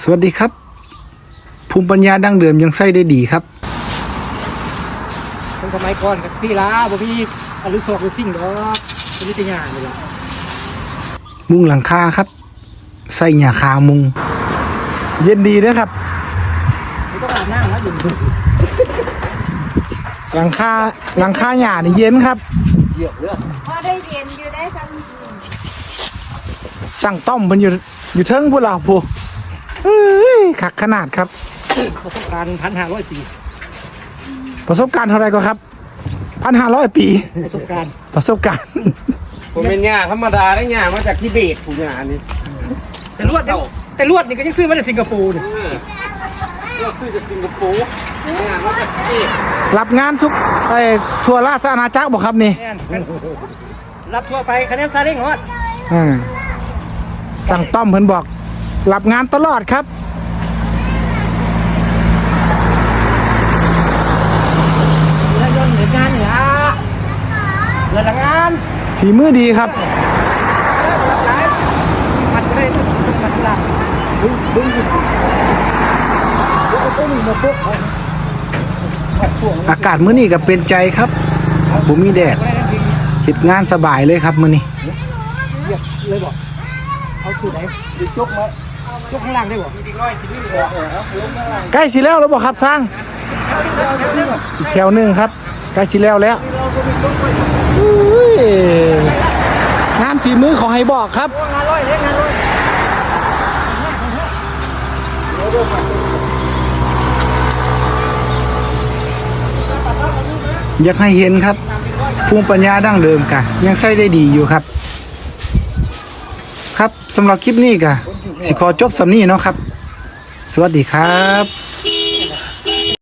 สวัสดีครับภูมิปัญญาดั้งเดิมยังใช้ได้ดีครับคนสมัยก่อนกับพี่ลาบ่มีอรุณโศกหรือสิ่งดอกเป็นนิตยานี่แหละมุงหลังคาครับใส่หญ้าคามุงเย็นดีนะครับไม่ต้องอาบน้ำนะอยู่หลังคาหญ้านี่เย็นครับเยอะเลยพอได้เย็นอยู่ได้ทั้งสั่งต้อมมันอยู่เทิงพวกเราผู้ขักขนาดครับประสบการณ์1,500 ปีประสบการณ์เท่าไรก็ครับ1,500 ปีประสบการณ์ผมเป็นหญ้าธรรมดาได้หญ้ามาจากทิเบตผมหญ้านี่แต่ลวดนี่ก็ยังซื้อมาจากสิงคโปร์เนี่ยก็ซื้อจากสิงคโปร์หญ้ามาจากทิเบตรับงานทุกทั่วราชอาณาจักรบอกครับนี่รับทั่วไปคะแนนซาเล้งฮอดสั่งต้อมเพิ่นบอกรับงานตลอดครับเรือยนต์หรืองานเนี่ยเรือละงานฝีมือดีครับผัดก็ได้ต้องผัดละบึ้งมาปุ๊บอากาศมื้อนี้ก็เป็นใจครับบ่มีแดดเฮ็ดงานสบายเลยครับมื้อนี้เรียบเลยบอกเอาสูตรไหนยกมาจกข้างล่างได้บ่มี100ชิ้นนี่ใกล้สิแล้วบ่ครับสร้างอีกแถวนึงครับใกล้สิแล้วงานฝีมือขอให้บอกครับงานร้อยเลยงานร้อยอยากให้เห็นครับภูมิปัญญาดั้งเดิมกะยังใช้ได้ดีอยู่ครับครับสำหรับคลิปนี้กะสิขอจบสำนี้เนาะครับสวัสดีครับ